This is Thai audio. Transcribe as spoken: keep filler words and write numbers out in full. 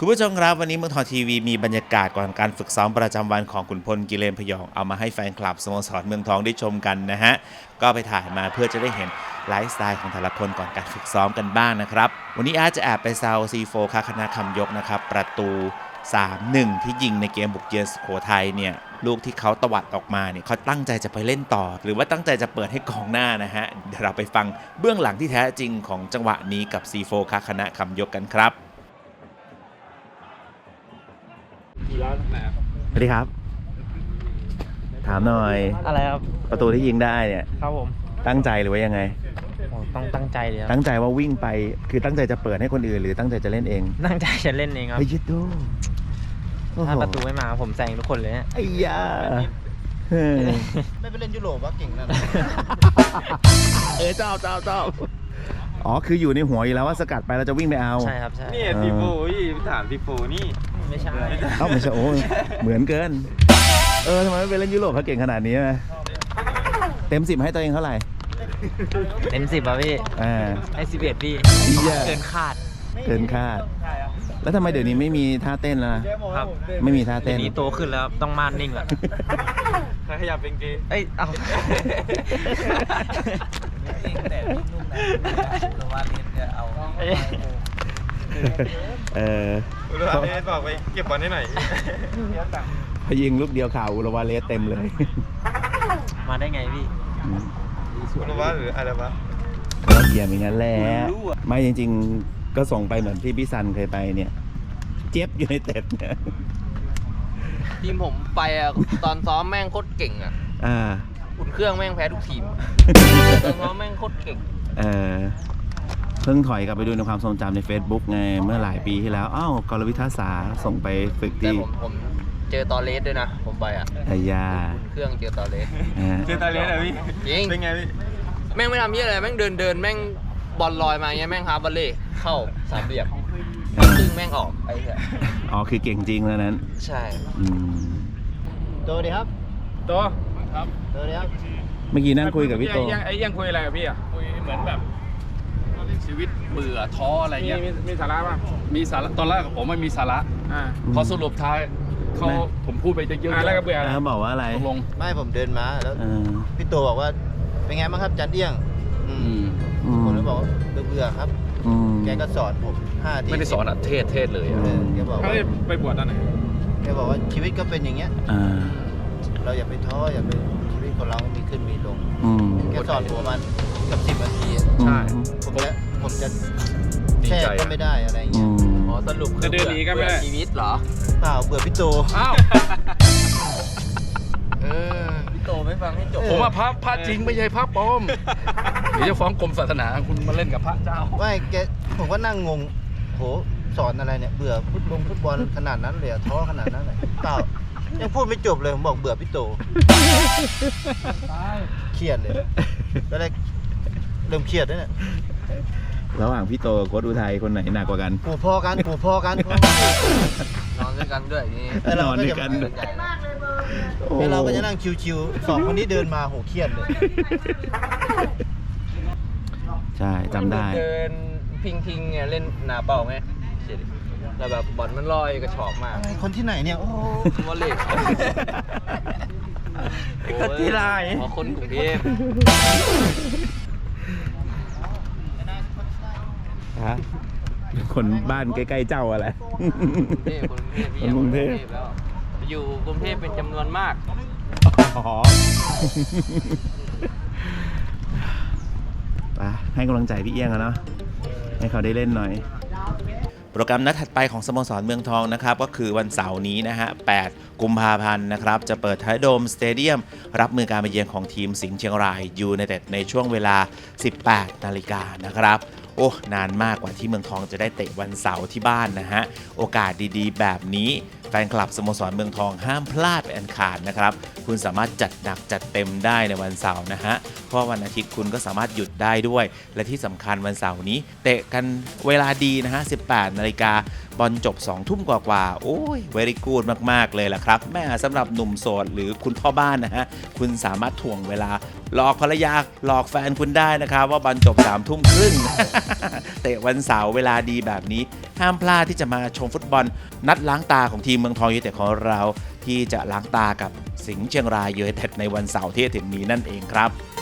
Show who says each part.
Speaker 1: คุณผู้ชมครับวันนี้เมืองทองทีวีมีบรรยากาศก่อนการฝึกซ้อมประจำวันของขุนพลกิเลนพยองเอามาให้แฟนคลับสโมสรเมืองทองได้ชมกันนะฮะก็ไปถ่ายมาเพื่อจะได้เห็นไลฟ์สไตล์ของแต่ละคนก่อนการฝึกซ้อมกันบ้างนะครับวันนี้อาร์ตจะแอบไปแซวซีโฟคาคณะคำยกนะครับประตู สามหนึ่ง ที่ยิงในเกมบุกเยือนสุโขทัยเนี่ยลูกที่เขาตวัดออกมาเนี่ยเขาตั้งใจจะไปเล่นต่อหรือว่าตั้งใจจะเปิดให้กองหน้านะฮะเดี๋ยวเราไปฟังเบื้องหลังที่แท้จริงของจังหวะนี้กับซีโฟคาคณะคำยกกันครับสวัสดีครับถามหน่อย
Speaker 2: อะไรครับ
Speaker 1: ประตูที่ยิงได้เนี่ย
Speaker 2: ครับผม
Speaker 1: ตั้งใจหรือว่ายังไง
Speaker 2: ต้องตั้งใจเลยครับ
Speaker 1: ตั้งใจว่าวิ่งไปคือตั้งใจจะเปิดให้คนอื่นหรือตั้งใจจะเล่นเอง
Speaker 2: ตั้งใจจะเล่นเองครับ
Speaker 1: เฮ้ยยิดดู
Speaker 2: ถ้าประตูไม่มาผมแซงทุกคนเลย
Speaker 1: ไอ้ยา
Speaker 3: ไม่ไปเล่นยุโรปวะเก่งนั่น
Speaker 1: เออเจ้าเจ้าเจ้าอ๋อคืออยู่ในหัวอยู่แล้วว่าสกัดไปเราจะวิ่งไปเอา
Speaker 2: ใช่ครับใช่
Speaker 4: นี่พี่โฟพี่ถามพี่โฟนี่
Speaker 2: ไม่ใช่
Speaker 1: เอ้าไม่ใช่โอ้เหมือนเกินเออทำไมไม่ไปเล่นยุโรปเขาเก่งขนาดนี้ไหมเต็มสิบให้ตัวเองเท่าไหร่
Speaker 2: เต็มสิบป่ะพี่
Speaker 1: อ่า
Speaker 2: ให้สิบเอ็ดพี่เกินคาด
Speaker 1: เกินคาดแล้วทำไมเดี๋ยวนี้ไม่มีท่าเต้นล่ะ
Speaker 2: ครับ
Speaker 1: ไม่มีท่าเต้น
Speaker 2: เดี๋ยวนี้โตขึ้นแล้วต้องม่านนิ่งแล้ว
Speaker 4: ขยับเป็นกี
Speaker 2: เอ้ยเอา
Speaker 3: แต่นุ่มๆนะว่าเล่นจะเอา
Speaker 1: เออ
Speaker 4: อุลวาเลสบอกไปเก็บบอลให้หน่อย
Speaker 1: พยิงลูกเดียวข่าวอุลวาเลสเต็มเลย
Speaker 2: มาได้ไงพี่
Speaker 4: อุลวาหรืออะไรวะ
Speaker 1: ก็เกียร์อย่างนั้นแหละไม่จริงๆก็ส่งไปเหมือนที่พี่ซันเคยไปเนี่ยเจ็บอยู่ในเต็ดเนี่ย
Speaker 3: ทีมผมไปอ่ะตอนซ้อมแม่งโคตรเก่งอ่ะ
Speaker 1: อ่า
Speaker 3: อุ่นเครื่องแม่งแพ้ทุกทีมตอนซ้อมแม่งโคตรเก่ง
Speaker 1: เออเพิ่งถอยกลับไปดูในความทรงจำใน Facebook ไงเมื่อหลายปีที่แล้วอ้าวกรวิทยาศาสตร์ส่งไปฝึกที่
Speaker 3: ผมผมเจอตอเลสด้วยนะผมไปอ่ะ
Speaker 1: ไอ้ยา
Speaker 3: อุ่นเครื่องเจอตอเลส
Speaker 4: เจอตอเลสเหรอพี่
Speaker 3: จริง
Speaker 4: เป็นไงพี่
Speaker 3: แม่งไม่ทำเหี้ยอะไรแม่งเดินเดินแม่งบอลลอยมาเงี้ยแม่งฮาร์บอลเล่เข้าสามเหลี่ยมซึ่งแม่งออกไอ้เนี่ย
Speaker 1: อ๋อคือเก่งจริงแล้วนั้น
Speaker 3: ใช่
Speaker 1: อืม
Speaker 3: ตัวดีครับ
Speaker 4: ตัว
Speaker 3: ครับตัวดีครับ
Speaker 1: เมื่อกี้นั่งคุยกับพี่โต
Speaker 4: ยังไอ้ยังคุยอะไรกับพี่อ่ะคุยเหมือนแบบชีวิตเบื่อท้ออะไรเงี้ยมีมีสาระป่ะมีสาระตอนแรกผมไม่มีสาระอ่าพอสรุปท้ายเขาผมพูดไปเยอะๆแล้วก็เบื่อ
Speaker 1: เขาบอกว่าอะไร
Speaker 4: ลง
Speaker 3: ไม่ผมเดินมาแล้วพี่โตบอกว่าเป็นไงบ้างครับจันเอี้ยงผมเลยบอกว่าเบื่อครับแกก็สอนผมห้าที
Speaker 4: ไม่ได้สอนอ่ะเทศเทศเลย
Speaker 3: แกบอกว่า
Speaker 4: ไปบวชตอนไหน
Speaker 3: แกบอกว่าชีวิตก็เป็นอย่างเงี้ยเราอย่าไปท้ออย่าไปชีวิตของเรามีขึ้นมีลงแกสอนผมมันกับสิบนาที
Speaker 4: ใช่
Speaker 3: ผมจะผมจะแช่ก็ไม่ได้อะไรเงี้ยอ๋อสรุปคือเบื่อชีวิตเหรอเปล่าเบื่อพี่โต
Speaker 4: อ้าว
Speaker 3: เออพี่โตไม่ฟังให้จบ
Speaker 4: ผมว่าพระพระจริงไม่ใช่พระปลอมเดี๋ยวจะฟ้องกรมศาสนาคุณมาเล่นกับพระเจ้า
Speaker 3: ไม่แกผมก็นั่งงงโหสอนอะไรเนี่ยเบื่อฟุตบอลฟุตบอลขนาดนั้นเลยท้อขนาดนั้นเลยเปล่ายังพูดไม่จบเลยผมบอกเบื่อพี่โตเครียดเลยแล้วแรกเริ่มเครียดแล้วเนี่ย
Speaker 1: ระหว่างพี่โตกับโค้ชอุทัยคนไหนหนักกว่ากัน
Speaker 3: ปู่พอกันปู่พอกันนอนด้วยกันด้วยนี่
Speaker 1: นอนด้วยกัน
Speaker 3: แล้วเราก็จะนั่งชิวๆสองคนนี้เดินมาโหเครียดเลย
Speaker 1: ใช่จำได้
Speaker 3: เดินพิงๆเนี่ยเล่นหนาเป่าไงแต่แบบบอลมันลอยกระชอกมากคนที่ไหนเนี่ยโอ้วอลเล่
Speaker 4: คนที่ไร
Speaker 3: อ๋อคนกรุงเทพ
Speaker 1: ฮะคนบ้านใกล้ๆเจ้าอะไร
Speaker 3: คนกรุงเทพคนกรุงเทพแล้วอยู่กรุงเทพเป็นจำนวนมาก
Speaker 1: อ๋อไปให้กำลังใจพี่เอี้ยงกันเนาะให้เขาได้เล่นหน่อยโปรแกรมนัดถัดไปของสโมสรเมืองทองนะครับก็คือวันเสาร์นี้นะฮะแปดกุมภาพันธ์นะครับจะเปิดไทยโดมสเตเดียมรับมือการมาเยือนของทีมสิงห์เชียงรายยูไนเต็ดในช่วงเวลา สิบแปดนาฬิกานะครับโอ้นานมากกว่าที่เมืองทองจะได้เตะวันเสาร์ที่บ้านนะฮะโอกาสดีๆแบบนี้แฟนคลับสโมสรเมืองทองห้ามพลาดเป็นอันขาดนะครับคุณสามารถจัดหนักจัดเต็มได้ในวันเสาร์นะฮะเพราะวันอาทิตย์คุณก็สามารถหยุดได้ด้วยและที่สำคัญวันเสาร์นี้เตะกันเวลาดีนะฮะ สิบแปดนาฬิกาบอลจบสองทุ่มกว่าๆโอ้ยเวรี่กูดมากๆเลยล่ะครับแม่สำหรับหนุ่มโสดหรือคุณพ่อบ้านนะฮะคุณสามารถถ่วงเวลาหลอกภรรยาหลอกแฟนคุณได้นะครับว่าบอลจบสามทุ่มครึ่งเตะวันเสาร์เวลาดีแบบนี้ห้ามพลาดที่จะมาชมฟุตบอลนัดล้างตาของทีมเมืองทองยูไนเต็ดของเราที่จะล้างตากับสิงห์เชียงรายยูไนเต็ดในวันเสาร์ที่จะถึงนี้นั่นเองครับ